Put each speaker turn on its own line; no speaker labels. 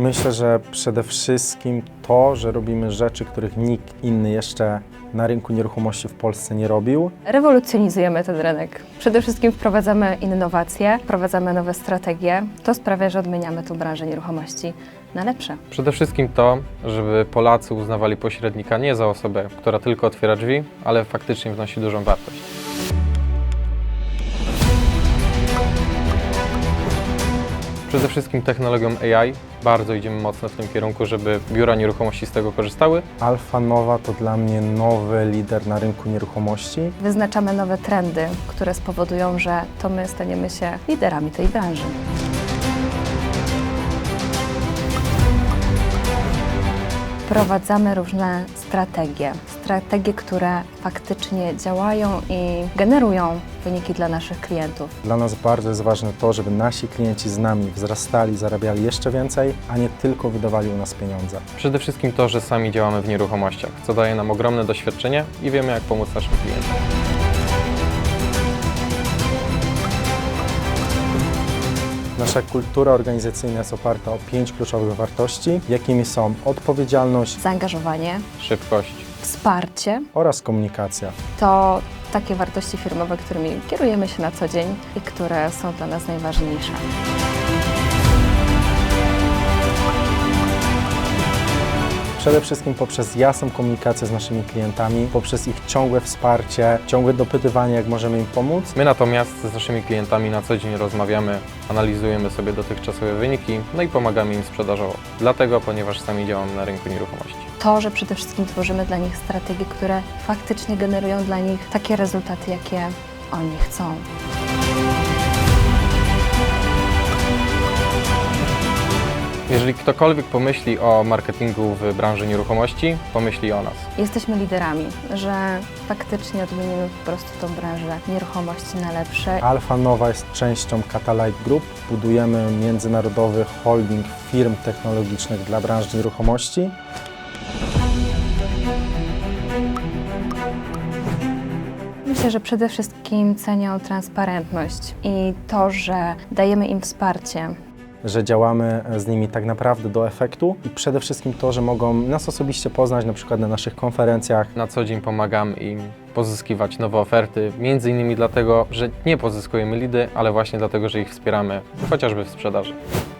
Myślę, że przede wszystkim to, że robimy rzeczy, których nikt inny jeszcze na rynku nieruchomości w Polsce nie robił.
Rewolucjonizujemy ten rynek. Przede wszystkim wprowadzamy innowacje, wprowadzamy nowe strategie. To sprawia, że odmieniamy tą branżę nieruchomości na lepsze.
Przede wszystkim to, żeby Polacy uznawali pośrednika nie za osobę, która tylko otwiera drzwi, ale faktycznie wnosi dużą wartość. Przede wszystkim technologią AI. Bardzo idziemy mocno w tym kierunku, żeby biura nieruchomości z tego korzystały.
Alfa Nowa to dla mnie nowy lider na rynku nieruchomości.
Wyznaczamy nowe trendy, które spowodują, że to my staniemy się liderami tej branży. Wprowadzamy różne strategie, które faktycznie działają i generują wyniki dla naszych klientów.
Dla nas bardzo jest ważne to, żeby nasi klienci z nami wzrastali, zarabiali jeszcze więcej, a nie tylko wydawali u nas pieniądze.
Przede wszystkim to, że sami działamy w nieruchomościach, co daje nam ogromne doświadczenie i wiemy, jak pomóc naszym klientom.
Nasza kultura organizacyjna jest oparta o 5 kluczowych wartości, jakimi są odpowiedzialność
Zaangażowanie,
Szybkość.
wsparcie
oraz komunikacja.
to takie wartości firmowe, którymi kierujemy się na co dzień i które są dla nas najważniejsze.
Przede wszystkim poprzez jasną komunikację z naszymi klientami, poprzez ich ciągłe wsparcie, ciągłe dopytywanie, jak możemy im pomóc.
My natomiast z naszymi klientami na co dzień rozmawiamy, analizujemy sobie dotychczasowe wyniki, no i pomagamy im sprzedażowo. Dlatego, ponieważ sami działamy na rynku nieruchomości.
To, że przede wszystkim tworzymy dla nich strategie, które faktycznie generują dla nich takie rezultaty, jakie oni chcą.
Jeżeli ktokolwiek pomyśli o marketingu w branży nieruchomości, pomyśli o nas.
Jesteśmy liderami, że faktycznie odmienimy po prostu tą branżę nieruchomości na lepsze.
Alfa Nowa jest częścią Catalyte Group. Budujemy międzynarodowy holding firm technologicznych dla branży nieruchomości.
Myślę, że przede wszystkim cenią transparentność i to, że dajemy im wsparcie.
Że działamy z nimi tak naprawdę do efektu i przede wszystkim to, że mogą nas osobiście poznać na przykład na naszych konferencjach.
Na co dzień pomagamy im pozyskiwać nowe oferty, między innymi dlatego, że nie pozyskujemy lidy, ale właśnie dlatego, że ich wspieramy, chociażby w sprzedaży.